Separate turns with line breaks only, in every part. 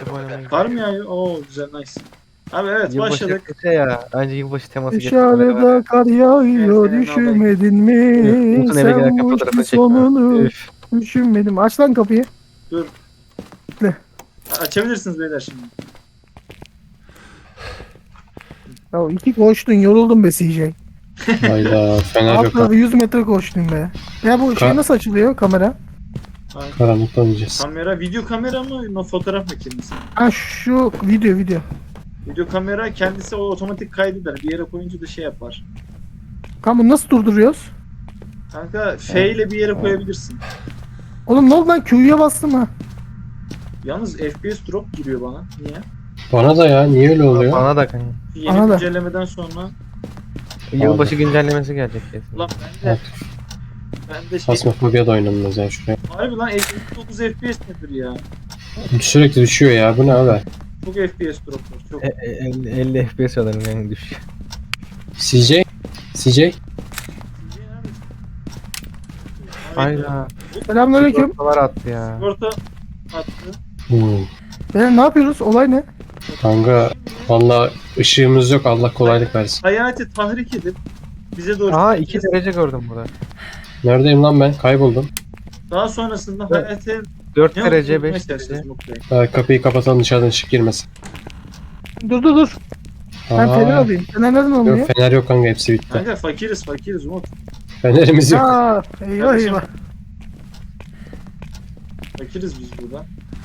oynamaya
Kar mı yağıyor? Oo güzel, nice. Abi evet, başladık.
Yılbaşı ya. Anca yılbaşı teması
Dışarıda kar yağıyor,
Evet,
düşürmedin
Umut'un
mi?
eve
Sen
giderken
bu
fotoğrafını
işin
çekme.
sonunu
Üf.
düşünmedim. Aç lan kapıyı.
Dur.
Ne?
Açabilirsiniz beyler şimdi.
Ya iki koştun, yoruldum be CJ.
Hayda fener
Alt
yok.
tarafı 100 metre koştun be. Ya bu şey nasıl açılıyor, kamera?
Karanlıkta oynayacağız.
Kamera, video kamera mı? Fotoğraf makinesi.
Ha şu video.
Video kamera kendisi o otomatik kaydeder. Bir yere koyunca da şey yapar.
Kanka bunu nasıl durduruyoruz?
Kanka F ile bir yere koyabilirsin.
Oğlum ne oldu lan, Q'ya bastım ha.
Yalnız FPS drop giriyor bana. Niye?
Bana da ya niye öyle oluyor?
Bana da kanka.
Yeni
Bana da.
güncellemeden sonra.
Yılbaşı güncellemesi gelecek kesin.
Ulan ben de şey.
Fasmofobia da oynanmaz ya şuraya.
Harbi lan 59 FPS nedir ya?
Sürekli düşüyor ya bu ne abi?
Çok FPS drop var. Çok.
50 FPS alırım yani düş.
CJ?
Hayda.
Selamünaleyküm.
Sigortalar attı ya.
Sigorta attı.
Beyler ne yapıyoruz? Olay ne?
Kanka valla ışığımız yok, Allah kolaylık versin.
Hayati tahrik edip bize doğru.
Aa 2 derece gördüm burada.
Neredeyim lan ben? Kayboldum.
Daha sonrasında
Evet.
Hayati
4
ne
derece
olduğunu
5
isterseniz
derece.
mutlayın.
Kapıyı kapatalım dışarıdan ışık girmesin.
Dur. Ben fener alayım. Fener nereden alınıyor?
Yok fener yok kanka, hepsi bitti.
Kanka fakiriz Umut.
Fenerimiz yok.
Aa, eyvah
Kardeşim.
eyvah.
Fakiriz biz burada.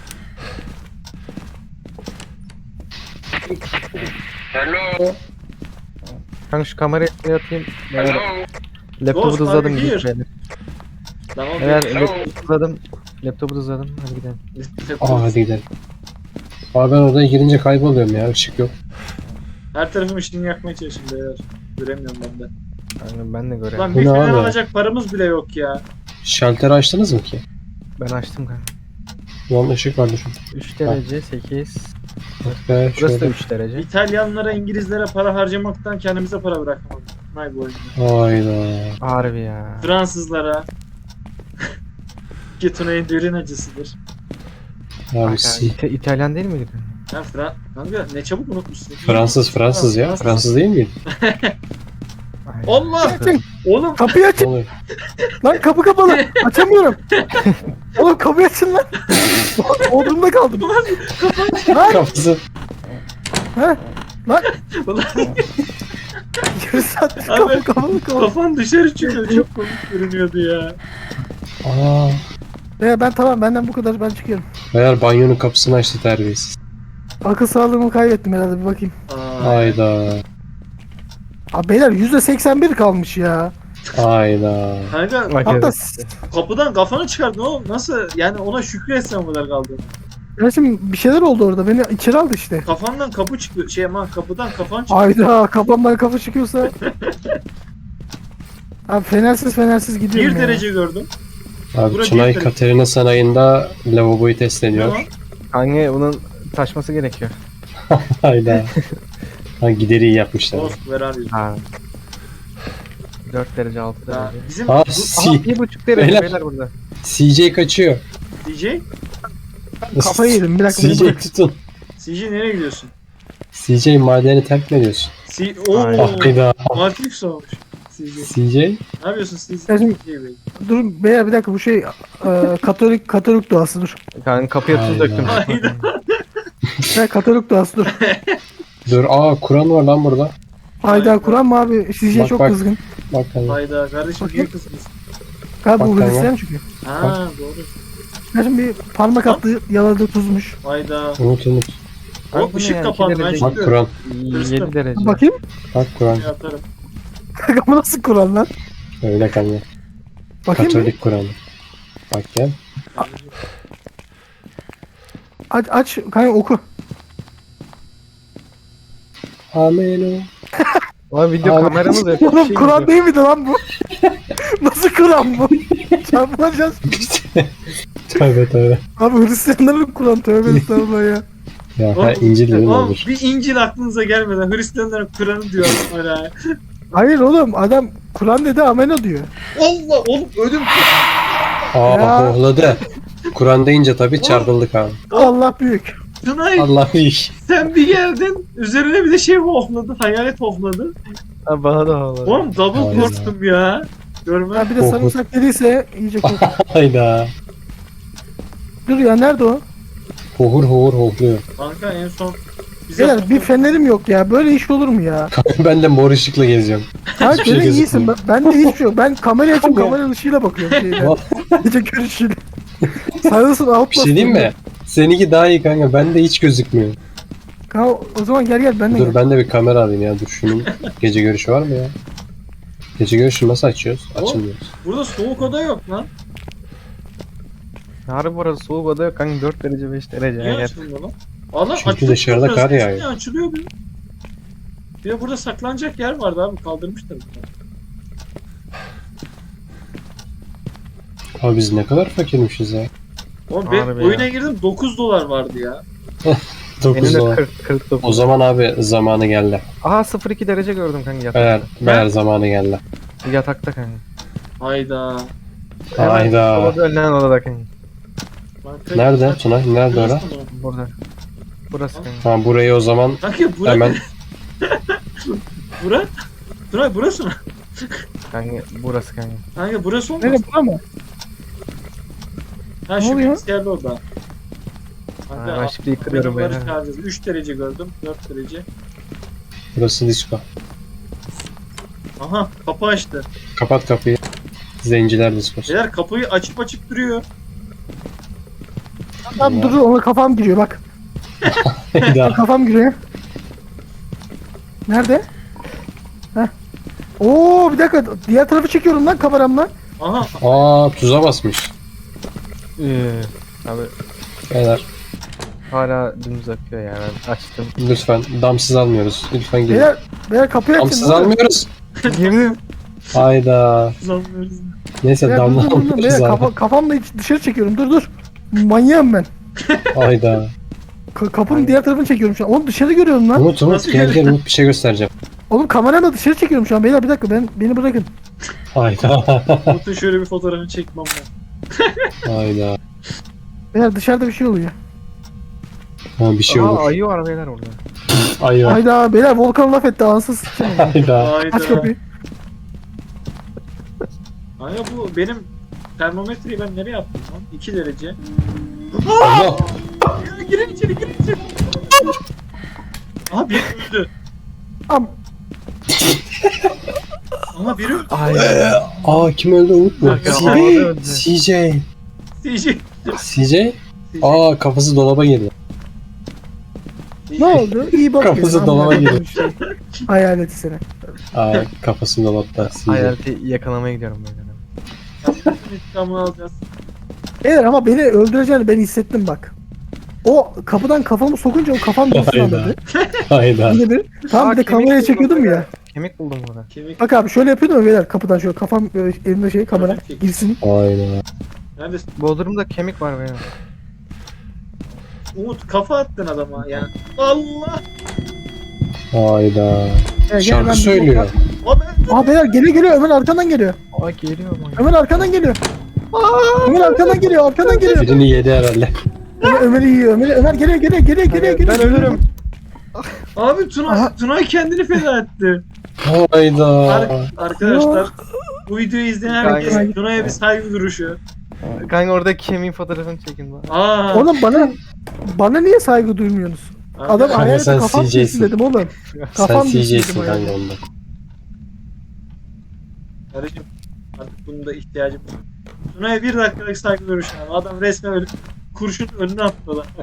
Kanka şu kamerayı şuraya atayım. Laptopu
Ghost,
hızladım
are you
gidiyor.
here? Tamam.
Eğer laptopu hızladım. Laptopu hızladım. Hadi gidelim.
Aa hadi gidelim. Abi ben odaya girince kayboluyorum ya, ışık yok.
Her tarafım ışığını yakmaya çalışın beyler. Göremiyorum ben de.
Kanka ben de göreyim.
Lan
Bu
bir
ne
fener
abi?
alacak paramız bile yok ya.
Şalteri açtınız mı ki?
Ben açtım kanka.
Ulan ışık vardı şurada.
3 derece 8.
Be,
Burası da
şöyle.
3 derece.
İtalyanlara, İngilizlere para harcamaktan kendimize para bırakmadık. Vay bu oyunda.
Hayda.
Harbi ya.
Fransızlara. Getunay'ın derin acısıdır.
Abi
Kanka, İtalyan değil miydi?
Sen kanka ne çabuk unutmuşsun.
Fransız ya. Fransız değil miydi?
Aynen.
Allah!
Açın.
Oğlum
Kapıyı
Ne
açın.
oluyor?
Lan kapı kapalı. Açamıyorum. Oğlum kapıyı açın lan. Odumda kaldım. Lan.
Kafası.
He? Lan.
Ulan.
Yarı saattir
Abi.
kapı kapalı kaldı.
kafan dışarı çıkıyor. Çok komik görünüyordu ya.
Aa.
Ben tamam, benden bu kadar, ben çıkıyorum.
Meğer banyonun kapısını açtı terbiyesiz.
Akıl sağlığımı kaybettim herhalde, bir bakayım.
Hayda.
Abi beyler %81 kalmış ya.
Hayda.
Kanka
Bak
Hatta
evet.
kapıdan kafanı çıkardın oğlum. Nasıl? Yani ona şükretsen o kadar kaldı.
ya şimdi bir şeyler oldu orada, beni içeri aldı işte.
Kafandan kapı çıkıyor. Kapıdan kafan çıkıyor.
Ayda kafamdan kafa çıkıyorsa. Abi fenersiz gidiyorum
1
ya.
derece gördüm.
Abi
Burası
Tunay
bir-
Katerina Sarayı'nda lavaboyu test
Ne
ediyor.
lan?
Kanka bunun taşması gerekiyor.
Hayda. Ha gideri iyi yapmışlar.
Ghost, where are you?
Ha. 4 derece 6
Ya,
derece.
bizim
Aa
Aha,
C
1,5 derece
Beyler.
beyler burada.
CJ kaçıyor.
CJ?
Kafayı yedim, bir dakika. beni
CJ
bırak.
tutun.
CJ nereye gidiyorsun?
CJ madeni terk mi ediyorsun?
Ooo.
Hayda.
Matrix olmuş. CJ.
CJ?
Ne yapıyorsun CJ?
Ya şimdi-
CJ Bey.
Dur beyler, bir dakika, bu şey Katolik duası, dur.
Kanka kapıya tuz
Hayda.
döktüm.
Hayda.
Katolik duası, dur.
Dur Kur'an var lan burada.
Hayda, Kur'an mı abi? CJ
Bak,
çok
bak.
kızgın.
Bak hani.
Hayda kardeşim niye
Bakayım.
kızmışsın?
Galiba bu
Bak,
Hristiyan çünkü.
Ha doğru.
Ya şimdi bir parmak attı, yaladı, tuzmuş.
Hayda.
Unut.
O
Bak bu ne
ışık
ya,
kapandı.
iki
Ben
derece.
Bak
şimdi
Kur'an.
7 derece.
Bakayım.
Bak Kur'an.
şey yaparım.
Kanka bu nasıl Kur'an lan?
Öyle kanka.
Bakayım mı?
Katolik Kur'an. Bak gel.
Aç kanka, oku.
Amen.
Abi video
Abi.
kameramız yok.
Oğlum
Şey
Kur'an
gidiyor.
değil miydi lan bu? Nasıl Kur'an bu? Çarpılacağız.
Tövbe tövbe.
Abi Hristiyanların Kur'an, tövbe estağfurullah ya.
Ya
Oğlum,
İncil dedim
oğlum,
olur.
bir İncil aklınıza gelmeden Hristiyanların Kur'an'ı diyor hala.
Hayır oğlum, adam Kur'an dedi, ameno diyor.
Allah oğlum ödüm.
Ya.
Hohladı. Kur'an deyince tabii çarpıldık abi.
Allah büyük.
Tunay
Allah iş.
sen bir geldin. Üzerine bir de şey hohladı. Hayalet hohladı.
Ha, bana da havalı.
Oğlum double
Aynen.
korktum ya. Görme.
Ha bir de sarımsak dediyse iyice kork.
Hayda.
Dur ya nerede o?
Hohur hohur hohluyor.
Kanka en son bize
Beyler bir fenerim yok ya. Böyle iş olur mu ya?
Ben de mor ışıkla geziyorum.
Ha
Hiçbir şey
gene iyisin.
gözükmüyor.
Ben de hiçbir şey yok. Ben kamerayı açıp kamera ışığıyla bakıyorum. Gece görüşüyle. Sayılsın out.
Bir şey diyeyim mi? Seninki daha iyi kanka. Bende hiç gözükmüyor.
Kanka o zaman gel ben de
Dur
gel.
ben de bir kamera alayım ya. Dur şunun gece görüşü var mı ya? Gece görüşü nasıl açıyoruz? Açılmıyoruz.
burada soğuk oda yok lan.
Harbi burası soğuk oda yok kanka, 4 derece 5 derece.
Niye
Evet.
açılmıyor lan? Allah
Çünkü dışarıda kar yağıyor.
Açılıyor bir. Bir de burada saklanacak yer vardı abi, kaldırmışlar bunu.
Abi biz ne kadar fakirmişiz ya.
Oğlum ben
Harbi
oyuna
ya.
girdim, 9 dolar vardı ya.
9
Benim de
dolar.
49.
O zaman abi zamanı geldi.
Aha 0,2 derece gördüm kanka
Meğer,
yatakta.
meğer zamanı geldi.
Yatakta kanka.
Hayda.
Hemen
Hayda.
Odada önlenen odada kanka.
Kanka,
Nerede Tunay? Nerede ora?
Burada. Burası kanka.
Ha burayı o zaman
Kanka bura,
hemen
bura? Tunay burası mı?
Kanka burası kanka.
Kanka burası olmaz.
Nerede bura mı?
Ha
Ne
şu
oluyor?
bilgisayarda orada.
Ha,
Kanka
ben şimdi yıkılıyorum
benim
beyler.
çağıracağız. 3 derece gördüm, 4 derece.
burası disco.
Aha kapı açtı.
Kapat kapıyı. Zenciler diskosu.
Beyler kapıyı açıp duruyor.
Tamam dur ona kafam giriyor bak.
Hayda.
Kafam giriyor. Nerede? Heh. Oo bir dakika diğer tarafı çekiyorum lan kameramla.
Aha
Aa tuza basmış.
Abi
Beyler
hala dümdüz akıyor ya, ben açtım.
lütfen damsız almıyoruz. Lütfen girin.
Beyler kapıyı açın.
Damsız
dur.
almıyoruz.
Girdim.
Hayda.
kullanmıyoruz.
Neyse
Beyler,
damla
dur, dur, dur,
almıyoruz
beyler,
abi.
kafamla dışarı çekiyorum dur. Manyağım ben.
Hayda.
Kapının diğer tarafını çekiyorum şu an. Oğlum dışarı görüyorum lan.
Umut
Nasıl
gel
görüyorsun?
Umut bir şey göstereceğim.
Oğlum kameramla dışarı çekiyorum şu an. Beyler bir dakika beni bırakın.
Hayda.
Umut'un şöyle bir fotoğrafını çekmem lazım.
Hayda.
Beyler dışarıda bir şey oluyor.
Ha, bir şey
Aa,
olur.
ayı var beyler orada.
Ayı.
Hayda beyler Volkan laf etti ansız sıçramayın.
Hayda.
Aç
Hayda.
kapıyı.
Kanka bu benim termometreyi ben nereye attım lan? 2 derece.
Allah.
Girin içeri. Aha biri öldü.
Am
Aha biri öldü.
Ay.
Aa kim öldü Umut mu?
Kanka,
CJ.
havada öldü.
CJ.
CJ.
CJ. Aa kafası dolaba girdi.
ne oldu? İyi bak.
Kafası
benim,
dolaba
anladım
girdi.
işte. Hayaleti seni.
Aa kafası dolapta. CJ.
Hayaleti yakalamaya gidiyorum beyler.
Bütün intikamını alacağız.
Beyler ama beni öldüreceğini ben hissettim bak. O kapıdan kafamı sokunca o kafam dostum
Hayda.
anladı.
Hayda.
Bir de bir. Tam bir de
kemik
kameraya
buldum
çekiyordum
beyler.
ya.
Kemik buldum burada.
Kemik.
Bak abi şöyle yapıyordum ya beyler kapıdan şöyle kafam böyle elimde şey kamera
Kemik.
girsin.
Hayda.
Neredesin?
Bodrum'da kemik var beyler.
Umut kafa attın adama yani. Allah.
Hayda.
Gel,
Şarkı
ben-
söylüyor.
Abi
Aa beyler geliyor Ömer arkandan geliyor.
Aa geliyor mu?
Ömer arkandan geliyor. Ömer arkandan geliyor.
Birini yedi herhalde.
Ömer'i yiyor. Ömer geliyor.
Ben ölürüm.
Abi Tunay,
Aha.
Tunay kendini feda etti.
Hayda.
Arkadaşlar bu videoyu izleyen herkes
Kanka.
Tunay'a bir saygı duruşu.
Kanka orada kemiğin fotoğrafını çekin bana.
Aa.
Oğlum bana niye saygı duymuyorsunuz? Adam
Kanka,
hayalete
sen
kafam
CJ'sin.
düşsün dedim oğlum.
Sen
Kafam düşsün
CJ'sin
dedim
kanka
hayalete.
onda.
Kardeşim artık bunun da ihtiyacım var. Tunay'a bir dakikalık saygı duruşu. Abi. Adam resmen öyle kurşun önüne attı lan.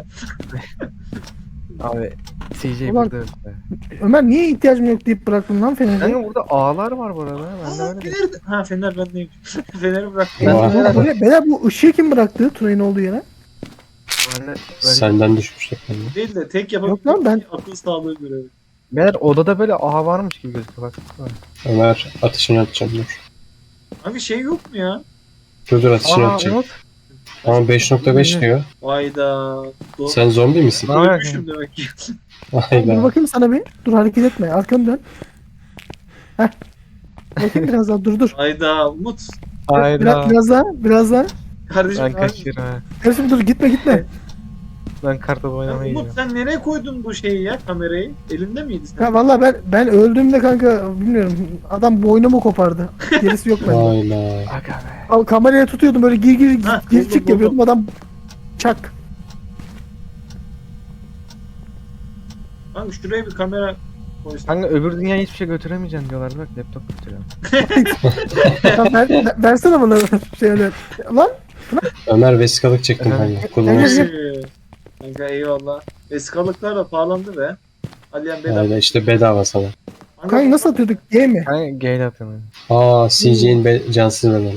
Abi CJ
Ulan-
burada öldü.
Ömer niye ihtiyacım yok deyip bıraktın lan Fener'i?
Kanka burada ağlar var bu arada. Ben de
Aa,
öyle.
Fener de... Ha Fener bendeyim. Fener'i bıraktım.
Ben
Vay.
de öyle.
Beyler bu ışığı kim bıraktı Tunay'ın olduğu yere?
Ben de böyle-
Senden düşmüştük ben de.
Değil de tek
Yok lan, ben-
akıl sağlığı görevi.
Beyler odada böyle ağ varmış gibi gözüküyor bak.
Ömer atışını atacağım dur.
Abi şey yok mu ya?
Dur atışını
Aa
atacağım.
Umut.
Ama 5.5 diyor.
Hayda.
Sen zombi misin?
Ne yapıyorsun?
Ölmüşüm demek ki.
Dur
Hayda.
bakayım sana bir. Dur hareket etme. Arkanı dön. Heh. Bakayım biraz daha dur.
Hayda. Umut.
Hayda.
Biraz daha.
Kardeşim
Ben
abi,
kaçırım ha.
Kardeşim dur gitme.
Ben kartopu
Ya
oynamaya
Umut
gidiyorum.
sen nereye koydun bu şeyi ya kamerayı? Elinde miydi sen?
Ya valla ben öldüğümde kanka bilmiyorum. Adam boynumu kopardı. Gerisi yok bende.
Hayda.
Aga be.
Al kameraya tutuyordum böyle gir
Ha,
gir
buldum,
çık yapıyordum adam çak.
Kanka şuraya bir kamera koysan.
Kanka öbür dünyaya hiçbir şey götüremeyeceksin diyorlar bak laptop götürüyorum.
Ya versene bana şeyler. Lan
Ömer vesikalık çektim kanka. Kullanırsın.
Kanka eyvallah. Vesikalıklar da pahalandı be. Aliyan bedava.
Hayda işte bedava sana.
kanka nasıl atıyorduk G mi?
Kanka gale atın.
Aa CJ'in cansız bedeni.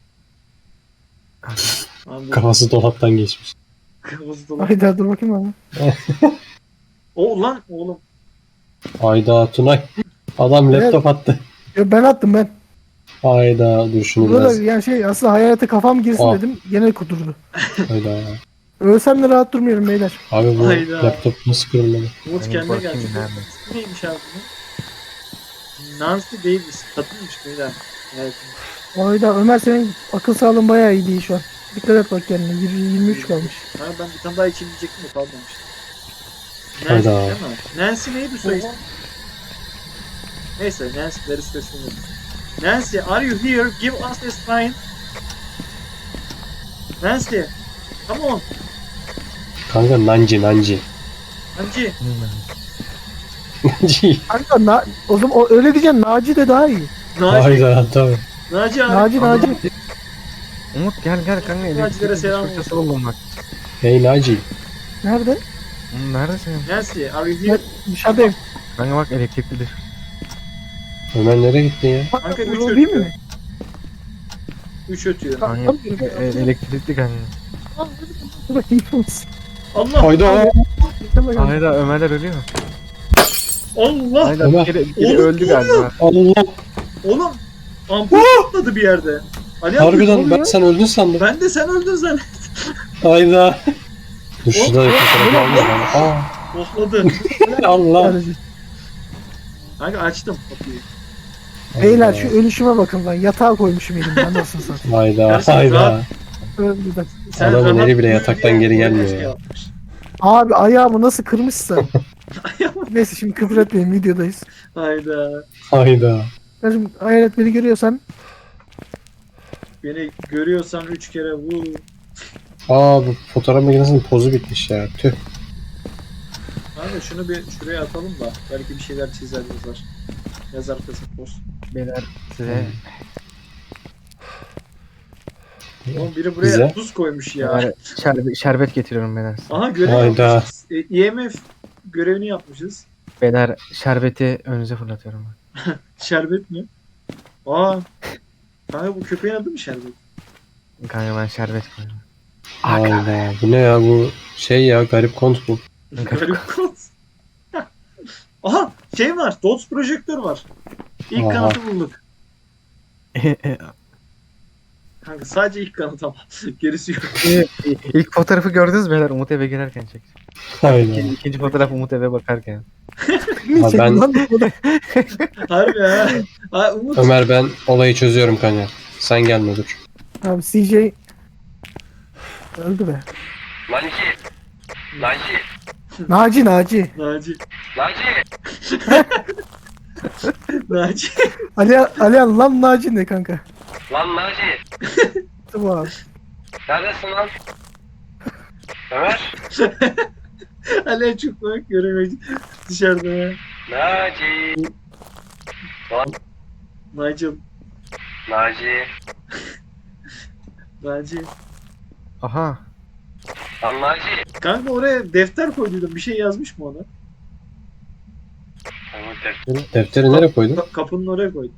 Kafası dolaptan geçmiş.
Kırmızı dolar.
Hayda dur bakayım abi.
O lan oğlum.
Hayda Tunay. Adam laptop attı.
Ya ben attım ben.
Hayda dur şunu
Burada
biraz.
yani şey aslında hayalete kafam girsin
Aa.
dedim. Gene kudurdu.
Hayda.
Ölsem de rahat durmuyorum beyler.
Abi bu
Hayda.
laptop nasıl kırılmalı?
Umut
Benim
kendine
bakayım
geldi.
nerede?
İsmi neymiş abi bunun? Nancy Davis. Kadınmış beyler. Evet.
Hayda Ömer senin akıl sağlığın bayağı iyi değil şu an. Dikkat et bak kendine. 23 kalmış.
Ha, ben bir tane daha içeyim diyecektim de kalmamıştı. Nancy
Hayda.
değil mi? Nancy neydi soy ismi? Neyse Nancy'leri seslenir. Nancy, are you here? Give us a sign. Nancy, come on.
Kanka Nanci.
Nancy.
Nanci.
Kanka o zaman öyle diyeceksin Naci de daha iyi.
Naci,
Hayda tabii.
Naci abi.
Naci.
Umut gel kanka
Nacilere
elektrik
selam
fırçası buldum bak.
Hey Naci.
Nerede?
Oğlum neredesin?
Nancy, are you here?
Dışarıdayım.
Kanka bak elektrikli diş.
Ömer nereye gittin ya?
Kanka, üç
o değil
ötüyor.
mi?
3 ötüyor.
Kanka elektrikli kanka.
Dur bakayım.
Allah!
Hayda.
Hayda Ömerler ölüyor.
Allah!
Hayda
Ömer.
biri
Oğlum,
öldü galiba.
Allah.
Oğlum! Ampul patladı bir yerde. Ali abi, ne
Harbiden
oluyor?
ben sen öldün sandım.
Ben de sen öldün zannettim.
Hayda. Dur şurada bir fotoğraf almayayım. Aa.
Bohladı.
Allah.
Kanka açtım kapıyı.
Beyler şu ölüşüme bakın lan. Yatağa koymuşum elimden nasıl satayım.
Hayda.
Gerçekten
Hayda.
rahat.
Öldü.
Adamın
rahat
eli bile
uyu
yataktan
diye
geri
oraya
gelmiyor
şey
ya.
yapmış.
Abi ayağımı nasıl kırmışsa. Neyse şimdi küfür etmeyin videodayız.
Hayda.
Hayda.
Kardeşim hayalet beni görüyorsan
Beni görüyorsan 3 kere vur.
Aa bu fotoğraf makinesinin pozu bitmiş ya. Tüh.
Kanka şunu bir şuraya atalım da belki bir şeyler çizer yazar. Yazar kısım post.
Beyler size
Oğlum biri buraya
Bize?
tuz koymuş ya.
Beyler, şerbet getiriyorum beyler.
Aha görev
Hayda.
yapmışız. IMF görevini yapmışız.
Beyler şerbeti önünüze fırlatıyorum.
Şerbet mi? Aa. Kanka bu köpeğin adı mı Şerbet?
Kanka ben şerbet koyuyorum.
Hayda. Bu ne ya bu şey ya garip kont bu.
Garip kod. Aha şey var. Dots projektör var. İlk
Aha.
kanıtı bulduk. Kanka sadece ilk kanıt ama. Gerisi yok.
İlk fotoğrafı gördünüz mü beyler Umut eve girerken çektim.
Hayda.
İkinci fotoğraf Umut eve bakarken.
Ha, ben
Harbi ha. Ha Umut.
Ömer ben olayı çözüyorum kanka. Sen gelme dur.
abi CJ öldü be. Naci.
Naci. Naci.
Alihan lan Naci ne kanka?
Lan Naci,
Tamam abi.
neredesin lan? Ömer?
Hala çok komik göremiyor dışarıda ya.
Naci.
Nigel.
Naci.
Naci.
Aha.
Lan Naci.
Kanka oraya defter koyduydum. Bir şey yazmış mı ona?
Defteri nereye koydun?
Kapının oraya koydum.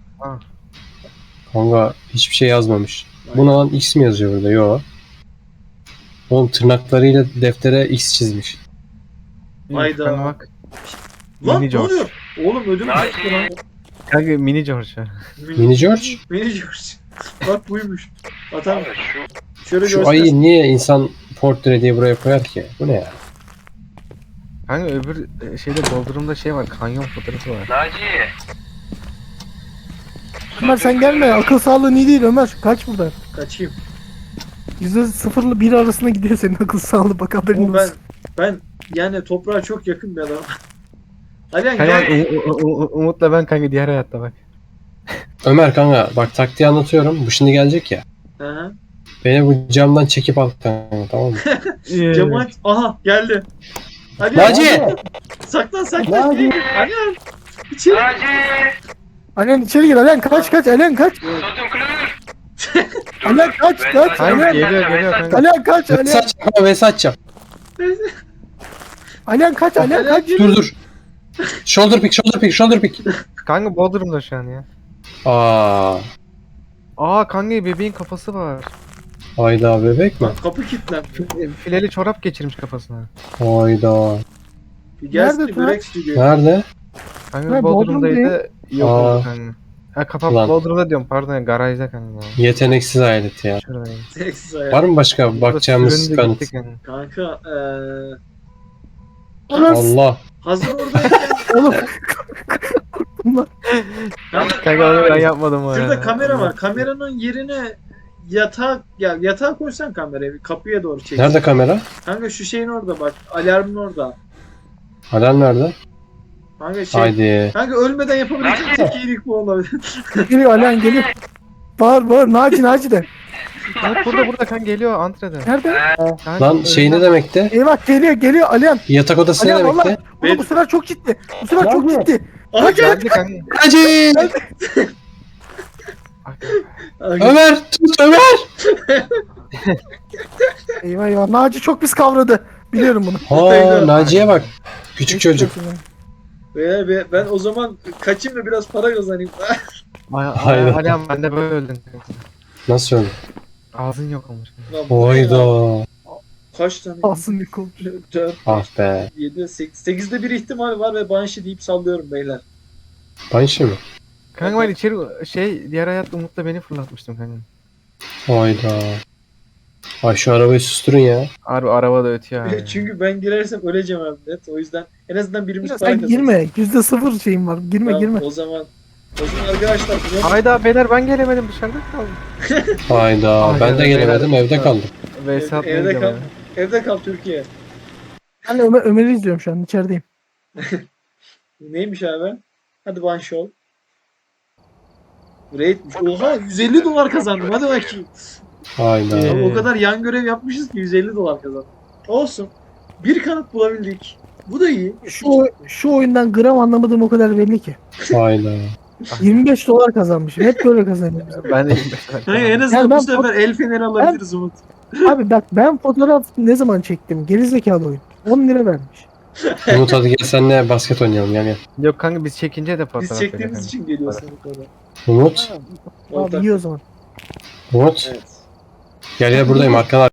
Kanka hiçbir şey yazmamış. Buna lan X mi yazıyor burada? Yo. Oğlum tırnaklarıyla deftere X çizmiş.
Hayda.
Kanka bak.
Lan
Mini
ne
George.
oluyor? Oğlum ödüm
Naci.
koptu lan.
Kanka mini George.
Mini George?
Mini George. Bak buymuş. Atam
Abi şu
şöyle
Şu
göster.
ayı niye insan portre diye buraya koyar ki? Bu ne ya?
Kanka öbür şeyde doldurumda şey var. Kanyon fotoğrafı var.
Naci.
Ömer sen gelme akıl sağlığın iyi değil Ömer kaç buradan.
Kaçayım.
%0 ile 1 arasında gidiyor senin akıl sağlığı, bak haberin
Ama
olsun.
ben yani toprağa çok yakın bir adamım. Alihan
Kanka
gel.
Umut'la ben kanka diğer hayatta bak.
Ömer kanka bak taktiği anlatıyorum. Bu şimdi gelecek ya.
Aha.
Beni bu camdan çekip al kanka, tamam mı?
Camı aç. Aha geldi. Alihan
Naci!
saklan saklan. Alihan. İçeri.
Naci!
Alihan içeri gir, Alihan kaç kaç, Alihan kaç.
Sotum klür!
Alihan kaç kaç,
Kanka
Alihan.
geliyor kanka.
Alihan kaç,
Vs
Alihan.
atacağım kanka, vs atacağım.
Alihan kaç, Alihan kaç.
Dur. Shoulder pick.
Kanka Bodrum'da şu an ya.
Aa,
Kanka bebeğin kafası var.
hayda bebek mi?
Kapı kilitlendi.
Fileli çorap geçirmiş kafasına.
Hayda.
Bir gelsin
Nerede
de börek stüdyo.
Nerede?
Kanka
Ben
Bodrum'daydı. Yok
Aa.
oldu kanka. Ha kapat
Ulan.
Bodrum'da diyorum pardon garajda kanka.
Yeteneksiz alet ya.
Şuradayım.
Seksiz hayat.
Var mı başka bakacağımız
Süründü
kanıt?
gitti kanka.
Kanka
Allah.
hazır oradayken
Oğlum. Bunlar.
Kanka onu ben yapmadım o
şurada
ya.
kamera var. Kameranın yerine yatağa koysan kamerayı kapıya doğru çek.
Nerede kamera?
Kanka şu şeyin orada bak. Alarmın orada.
Alarm nerede?
Kanka şey.
Haydi.
Kanka ölmeden yapabileceğin tek iyilik bu olabilir.
Geliyor Alihan, geliyor. Bağır Naci de.
Bak burada kanka geliyor antrede.
Nerede?
Kanka,
Lan şey ne demekti?
Eyvah, geliyor Alihan.
Yatak odası ne
Alihan
demekti?
valla. Oğlum bu sefer çok ciddi. Bu sefer çok ciddi.
Aha gel.
Geldi kanka.
Hacı! Ömer! Tut Ömer!
Eyvah. Naci çok pis kavradı. Biliyorum bunu.
Ha Naciye bak. Küçük çocuk.
Ben o zaman kaçayım da biraz para kazanayım.
Aynen.
Alihan ben de böyle öldüm.
Nasıl öyle?
Ağzın yok olmuş.
Hayda.
Kaç tane?
Alsın Niko.
4,
Ah be.
7, 8. 8'de bir ihtimal var ve Banshee deyip sallıyorum beyler.
Banshee mi?
Kanka ben içeri diğer hayatta Umut'la beni fırlatmıştım kanka.
Hayda. Ay şu arabayı susturun ya.
Harbi araba da ötüyor abi.
Çünkü ben girersem öleceğim abi net. O yüzden en azından birimiz para
Sen
kazansın.
girme. %0 şeyim var. Girme
Tamam,
girme.
O zaman arkadaşlar
Hayda beyler ben gelemedim dışarıda kaldım.
Hayda.
Ay,
Ben de
evet,
gelemedim,
beyler.
evde kaldım.
VS atmaya
evde kal.
gidiyorum
Evde kal Türkiye.
Ben de Ömer'i izliyorum şu an, içerideyim.
Neymiş abi? Hadi Banshee ol. Raid'miş. Oha 150 dolar kazandım. Hadi bakayım.
Hayda.
Ee,
Abi o kadar yan görev yapmışız ki 150 dolar kazandım. Olsun. Bir kanıt bulabildik. Bu da iyi.
Şu oyundan gram anlamadığım o kadar belli ki.
Hayda.
25 dolar kazanmışım. Hep böyle kazanıyorum.
ya. Ben de 25
Hani en azından
Yani ben
bu sefer el feneri alabiliriz Umut.
Abi bak, ben fotoğraf ne zaman çektim? Gerizekalı oyun. 10 lira vermiş.
Umut hadi gel senle basket oynayalım gel.
Yok kanka biz çekince de fotoğraf
Biz
veriyor
çektiğimiz
kanka.
için geliyorsun bu kadar.
Umut.
Abi iyi o zaman.
Umut.
Evet.
Gel buradayım arkana.